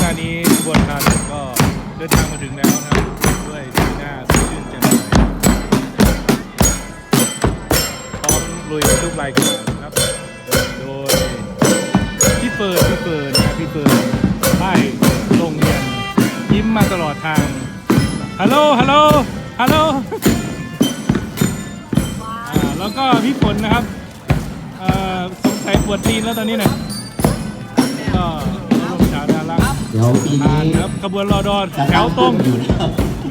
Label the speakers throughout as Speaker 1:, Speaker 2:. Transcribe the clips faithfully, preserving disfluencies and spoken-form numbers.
Speaker 1: านี้ขบวนการก็เดินทางมาถึงแล้วนะครับด้วยสีหน้าสดชื่นแจ่มใสพร้อมลุยทุกรายการนะครับโดยพี่เฟิร์นพี่เฟิร์นนะพี่เฟิร์นป้ายโรงเรียนยิ้มมาตลอดทางฮัลโหลฮัลโหลฮัลโหลแล้วก็พี่ฝนนะครับสงสัยปวดตีนแล้วตอนนี้เนี่ยก็ร่วมชาวดารา
Speaker 2: เดี๋ยวปีนี้
Speaker 1: ครับขบวนรอดอนแถวตรง
Speaker 2: อยู่นะครับ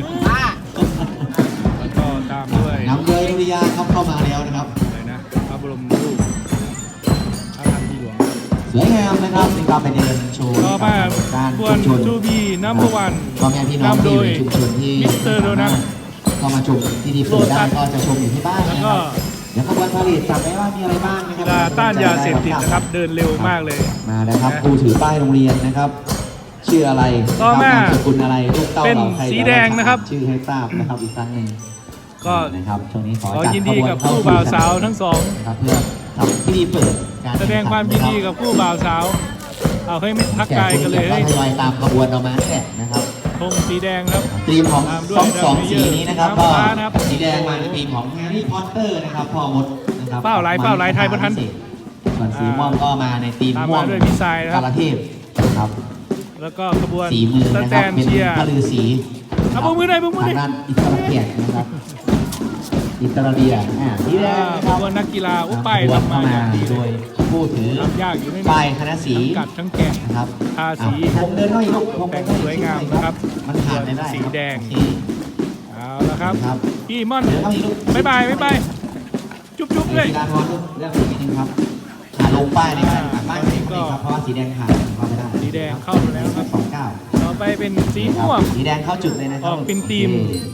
Speaker 1: แล้วก็ตามด้วย
Speaker 2: น้ำเยยนุริยาครับเข้ามาแล้วนะครับ
Speaker 1: อะไรนะพระบรมรูปพระพันปีหลวง
Speaker 2: สวยงามนะครับในการไปเดินโชว์
Speaker 1: ต่อมาขบวนทูบีน้ำวัน
Speaker 2: พ่อแม่พี่น้องที่อยู่ในชุมชนที่
Speaker 1: มิสเตอร์โดนัท
Speaker 2: เข้ามาชมที่ดีเปิดได้ก็จะชมอยู่ที่บ้านนะครับเดี๋ยวขบวนพาเหรดจับได้ว่ามีอะไรบ้างนะครับ
Speaker 1: ต้านยาเสพติดนะครับเดินเร็วมากเลย
Speaker 2: มานะครับครูถือป้ายโรงเรียนนะครับชื่ออะไร
Speaker 1: ต่อมา
Speaker 2: สกุลอะไรลูกเต้าเราใคร
Speaker 1: สีแดงนะครับ
Speaker 2: ชื่อให้ทราบนะครับอีกครั้งหนึ่ง
Speaker 1: ก็
Speaker 2: นะครับช่วงนี้ขอ
Speaker 1: ยินดีกับผู้บ่าวสาวทั้งสอง
Speaker 2: นะครับเพื่อทำพิธีเปิดการ
Speaker 1: แสดงความยินดีกับผู้บ่าวสาวเอาให้ไม่ทักกายกันเลย
Speaker 2: ทยอยตามขบวนออกมาแหละนะครับ
Speaker 1: ธงสีแดงครับ
Speaker 2: ธีมของสองสองสีนี้นะครับก็สีแดงมาในธีมของแฮร์รี่พอตเตอร์นะครับพ่อมดนะครับ
Speaker 1: เป้าลายเป้าลายไทยประทัน
Speaker 2: ส่วนสีม่วงก็มาในธีมม่วง
Speaker 1: ด้วยพิซซ่าครับ
Speaker 2: กาลเทพนะครับ
Speaker 1: แล้วก็ขบวน
Speaker 2: สีมือนะครับเป็นพลือสี
Speaker 1: เอาบุ้งมือได้บุ้งมือได้
Speaker 2: ทางด้านอิสราเอลนะครับอิสราเอลอ่าสีแดงนะครับ
Speaker 1: นักกีฬาอุ้ป้ายทำมา
Speaker 2: โดยผู้ถือป้ายคณะสี
Speaker 1: กัดทั้งแกะ
Speaker 2: นะครับ
Speaker 1: ทาสี
Speaker 2: ผมเดินเข้าอีกลูกผม
Speaker 1: แต่งสวยงามนะครับ
Speaker 2: มันผ่านได้
Speaker 1: สีแดงเอาละครับพี่ม่อนบ๊ายบายบ๊ายบายจุ๊บจุ๊บเลย
Speaker 2: กีฬาทอนเรื่องสีนึงครับหาลงป้ายในการป้ายสีก็เพราะว่าสีแดงขาดเข้าไม่ได้
Speaker 1: สีแดงเข้าแล้วครับ
Speaker 2: สองเก้า
Speaker 1: ต่อไปเป็นสีม่วง
Speaker 2: สีแดงเข้าจุดเลยนะครับ
Speaker 1: ออกเป็นทีม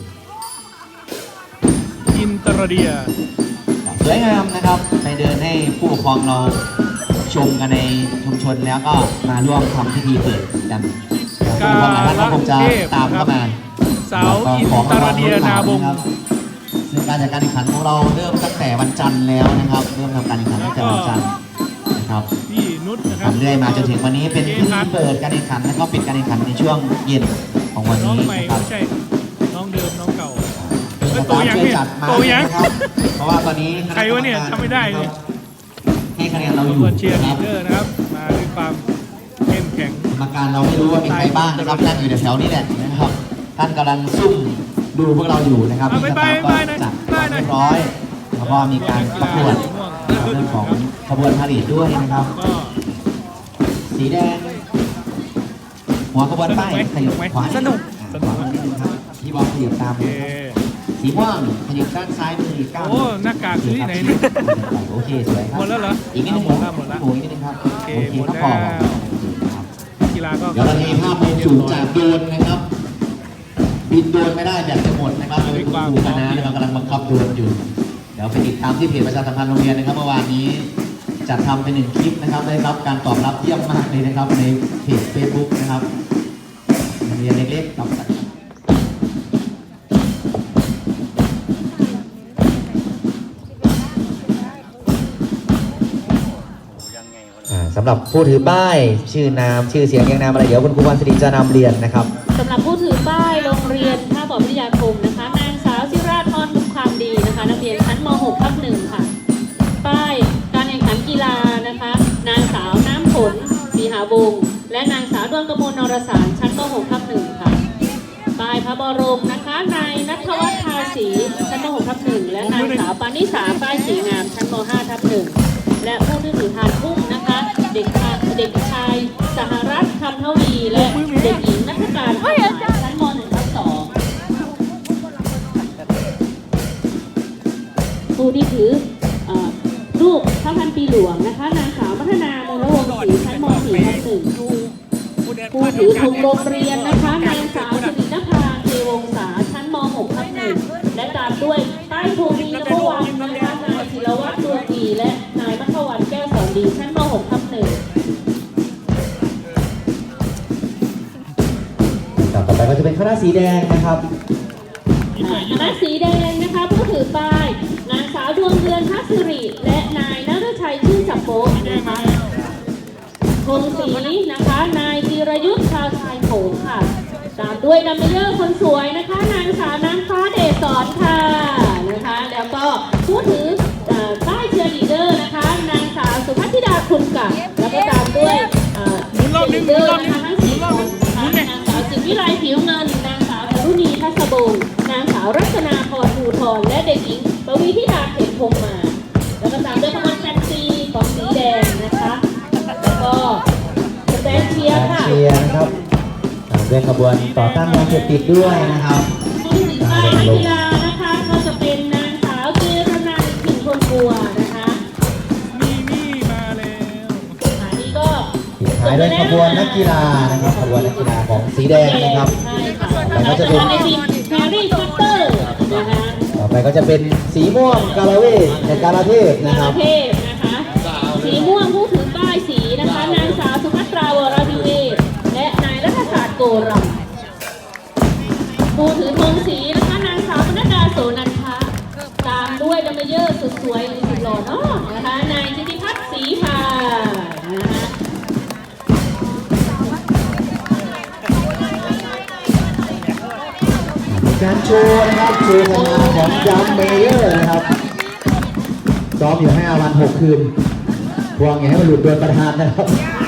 Speaker 1: อินเตอร์เดีย
Speaker 2: สวยงามนะครับไปเดินให้ผู้ปกครองเราชมกันในชุมชนแล้วก็มาร่วมทำพิธีเปิดกัน
Speaker 1: กาล
Speaker 2: คงจะตามเข้ามา
Speaker 1: สาวอินเตอร์เดียนาบง
Speaker 2: ซึ่งการจัดการแข่งขันของเราเริ่มตั้งแต่วันจันทร์แล้วนะครับเริ่มทำการแข่งขันตั้งแต่วันจันทร์นะครับ
Speaker 1: พี่นุชนะครับ
Speaker 2: ทำเรื่อยมาจนถึงวันนี้เป็นพิธีเปิดการแข่งขันแล้วก็ปิดการแข่งขันในช่วงเย็นของวันนี้นะครับ
Speaker 1: ไม่ใช่น้องเดิมน้องเก่า
Speaker 2: โตยังเนี่ยโตยังเพราะว่าตอนนี้
Speaker 1: ใครวะเนี่ยทำไม่ได้เลย
Speaker 2: ให้คะแนนเราอยู่
Speaker 1: เชียร์ลีดเดอร์นะครับมาด้วยความเข้มแข็ง
Speaker 2: กรรมการเราไม่รู้ว่ามีใครบ้างนะครับนั่งอยู่แถวนี้แหละนะครับท่านกำลังซุ่มดูพวกเราอยู่นะครับ
Speaker 1: มีสตาฟก็
Speaker 2: จัดเรียบร้อยแล้วก็มีการประกวดเรื่องของขบวนพาเหรดด้วยนะครับสีแดงหัวขบวนป้ายขยับขวา
Speaker 1: สนุก
Speaker 2: สนุกพี่บอลขยับตามสีม่วงขยับด้านซ้ายมือก้าว
Speaker 1: โอ้หน้ากากคือที่ไหนเนี่ย
Speaker 2: โอเคสวยครับ
Speaker 1: หมดแล้วเหรอ
Speaker 2: อีกนิดนึงหมดแล้วหมดแล้วโอ้ยนิดนึงครับโอเคหมดแล้ว
Speaker 1: กีฬาก็
Speaker 2: เดี๋ยวเรามีภาพมุมสูงจากโดรนนะครับบินโดรนไม่ได้แบบจะหมดนะครับโดยคุณครูคณะนะครับกำลังบังคับโดรนอยู่เดี๋ยวไปติดตามที่เพจประชาสัมพันธ์โรงเรียนนะครับเมื่อวานนี้จัดทำเป็นหนึ่งคลิปนะครับได้รับการตอบรับเยี่ยมมากเลยนะครับในเพจเฟซบุ๊กนะครับโรงเรียนเล็กๆกับสำหรับผู้ถือป้ายชื่อนามชื่อเสียงยังนามอะไรเดี๋ยวคุณครูวันศรีจะนำเรียนนะครับ
Speaker 3: สำหรับผู้ถือป้ายโรงเรียนท่าบ่อวิทยาคมนะคะนางสาวจิราธรบุญความดีนะคะนักเรียนชั้นม หก ทับหนึ่งค่ะป้ายการแข่งขันกีฬานะคะนางสาวน้ำฝนศรีหาวงศ์และนางสาวดวงกมลนรสารชั้นม หก ทับหนึ่งค่ะป้ายพระบรมนะคะนายณัฐวัฒน์ทาสีชั้นม หก ทับหนึ่งและนางสาวปานิสาป้ายสีงามชั้นม ห้า ทับหนึ่งและผู้ที่ถือทานพุ่มนะคะเด็กเด็กชายสหรัฐคำทวีและเด็กหญิงนักการชั้นม หนึ่ง ทับสองผู้ที่ถือรูปพระพันปีหลวงนะคะนางสาวมัฒนามูลวงศรีชั้นม สี่ ทับหนึ่งผู้ถือธงโรงเรียนนะคะนางสาวสิรินภาเทวงศาชั้นม หก ทับหนึ่งและตามด้วยป้ายภูมินภวันนะคะนายศิรวัฒน์ดวงดีและนายมัทวันแก้วสอนดีชั้นม หก ทับหนึ่ง
Speaker 2: ต่อไปก็จะเป็นคณะสีแดงนะครับ
Speaker 3: คณะสีแดงนะคะผู้ถือป้ายนางสาวดวงเดือนทัศริและนายณฤทัยชื่นจับโป๊ะนะคะธงสีนะคะนายธีรยุทธ์ชาาวชายโขงค่ะ ตามด้วยดัมเบลเยอร์คนสวยนะคะนางสาวน้ำฟ้าเดชสอนค่ะนะคะแล้วก็ผู้ถือเอ่อป้ายเชียร์ลีดเดอร์นะคะนางสาวสุภัทธิดาคุณกับแล้วก็ตามด้วยเอ่อ
Speaker 1: หมุนรอบนึง
Speaker 3: เชียร์ลีดเดอร์
Speaker 1: หมุนรอบนึ
Speaker 3: นะ
Speaker 1: ง
Speaker 3: คะทั้งสี่คนนะคะนางสาวจิตวิไลผิวเงินนางสาวรุณีทัศบงนางสาวรัตนาพรภูธรและเด็กหญิงปวีธิดาเขตพงมา แล้วก็ตามด้วยขบวนแฟนซีของสีแดงนะคะแล้วก็สแตนเชียร์ค่ะ
Speaker 2: เชียร์นะครับตามด้วยขบวนต่อต้านยาเสพติดด้วยนะครับ
Speaker 3: ผู้ถือป้ายนักกีฬานะคะก็จะเป็นนางสาวเจรนันท์ผินคนบัวนะคะ
Speaker 1: มีนี่มาแล้ว
Speaker 3: อันนี้ก็
Speaker 2: ปิดท้ายด้วยขบวนนักกีฬานะครับขบวนนักกีฬาของสีแดงนะครับ
Speaker 3: ใช่ค่ะ
Speaker 2: แล้วก็จะเป็น
Speaker 3: ในทีมแฮร์รี่พอตเตอร์นะคะ
Speaker 2: ต่อไปก็จะเป็นสีม่วงกาลาเวทและกาลาเทพนะ
Speaker 3: นา
Speaker 2: ครับ
Speaker 3: เทพนะคะสีม่วงผู้ถือป้ายสีนะคะนางสาวสุภัตราวรวิเวศและนายรัฐศาสตร์โกรำ ผู้ถือธงสีนะคะนางสาวปนัดดาโสนันทะตามด้วยดัมเบลเยอร์สุดสวยสุดหล่อเนาะนะคะนายธิติพัฒน์ศรีพานะคะ
Speaker 2: มีการโชว์นะครับโชว์ผลงานของจัมเมเยอร์นะครับซ้อมอยู่ห้าวันหกคืนพวงอย่าให้มันหลุดโดนประธานนะครับ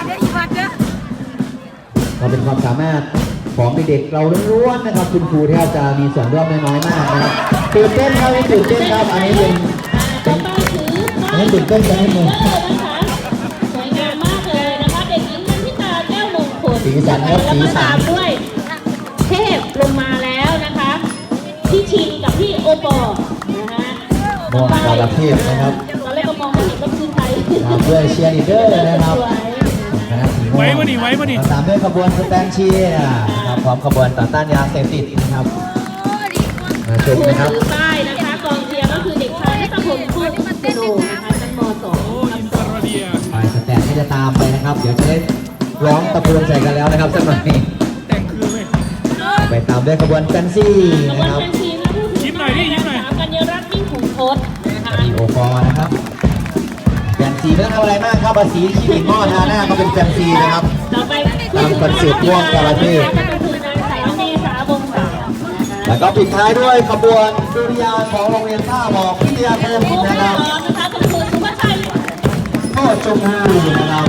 Speaker 2: ก็เป็นความสามารถของเด็กๆเราล้วนๆนะครับคุณครูแทบจะมีส่วนร่วมน้อยๆมากนะครับตื่นเต้นครับตื่นเต้นครับอันนี้เป็น
Speaker 3: ต่อไปถือ
Speaker 2: อันนี้ตื่นเต้นกันนิดนึง
Speaker 3: นะคะสวยงามมากเลยนะคะเด็กหญิงนันทิตาแก้วมงคล
Speaker 2: สีสันครับสีสัน
Speaker 3: แล้วก็ตามด้วยเทพลงมาแล้วนะคะพี่ชินกับพี่โอปอล์นะคะ
Speaker 2: มองกาลเทพนะครับ
Speaker 3: ตอนแรกก็มองไม่เห็นว่าคือใคร
Speaker 2: ตามด้วยเชียร์ลีดเดอร์นะครับคณะสีม่วง
Speaker 1: ไว้มาดิไว้มาดิ
Speaker 2: ตามด้วยขบวนสแตนเชียร์นะครับพร้อมขบวนต่อต้านยาเสพติดนะครับมาชม
Speaker 3: ผู้
Speaker 2: นะครับ
Speaker 3: ถือป้ายนะคะกองเชียร์ก็คือเด็กชายนัทพลพูดสโนนะคะชั้นม สอง
Speaker 1: โอ้อินเตอร์เดีย
Speaker 2: ฝ่ายสแตนที่จะตามไปนะครับ เดี๋ยวจะได้ร้องตะโกนใส่กันแล้วนะครับสักหน่อย
Speaker 1: แต่งคืนเลย
Speaker 2: ไปตามด้วยขบวนแฟนซี่
Speaker 3: ขบวน
Speaker 2: นะครับ
Speaker 3: แฟนซีนะผู้ถื
Speaker 1: ยิ้มหน่อยดิยิ้มหน่อย
Speaker 3: สาวกัญญารัตน์ยิ่งขุนทศนะคะ
Speaker 2: มีโอปอล์นะครับแฟนซีไม่ต้องทำอะไรมากครับเอาสีขีดหม้อทาหน้าก็เป็นแฟนซีนะครับ
Speaker 3: ต่อไป
Speaker 2: ตามคอนเซ็ปต์ม่วงกาลเทพ
Speaker 3: ก็คือนางสาวเมษาวงศ์สาวนะคะ
Speaker 2: แล้วก็ปิดท้ายด้วยขบวนดุริยางค์ของโรงเรียนท่าหมอกพิทยาคม
Speaker 3: ผู้
Speaker 2: นะ
Speaker 3: ที่
Speaker 2: ครับ
Speaker 3: สองนะคะคุณครูสุภาชัย
Speaker 2: โคตรชมพูนะครับ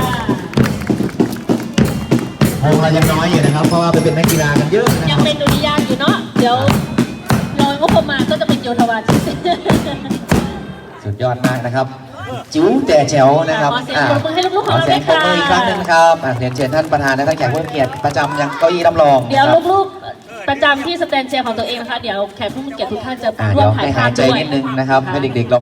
Speaker 2: วงเรายังน้อยอยู่นะครับ เพราะว่าไปเป็นนักกีฬากันเยอะนะ
Speaker 3: ยั
Speaker 2: ค
Speaker 3: ง
Speaker 2: รับ
Speaker 3: เป็นดุริยางค์อยู่เนาะเดี๋ยวรอยงบประมาณก็จะเป็นโยธวาทิต
Speaker 2: สุดยอดมากนะครับ จิ๋วแต่แจ๋วนะครับ
Speaker 3: ขอเสียงปรบมือให้ลูกๆของเรา
Speaker 2: ขอเสียงปรบมืออีกครั้งหนึ่งครับอ่ะเรียนเชิญท่านประธานและท่านแขกผู้มีเกียรติประจำยังเก้าอี้รับรอง
Speaker 3: เดี๋ยว
Speaker 2: นะครับ
Speaker 3: ลูกๆประจำที่สแตนเชียร์ของตัวเองนะคะ เดี๋ยวแขกผู้มีเกียรติทุกท่านจะ
Speaker 2: อ่ะ
Speaker 3: ร่ว
Speaker 2: เดี๋
Speaker 3: ม
Speaker 2: ยว
Speaker 3: ถ่าย
Speaker 2: ให้
Speaker 3: ภา
Speaker 2: หา
Speaker 3: พ
Speaker 2: ยใจ
Speaker 3: ด้วย
Speaker 2: นิดนึงนะครับ ให้เด็กๆเรา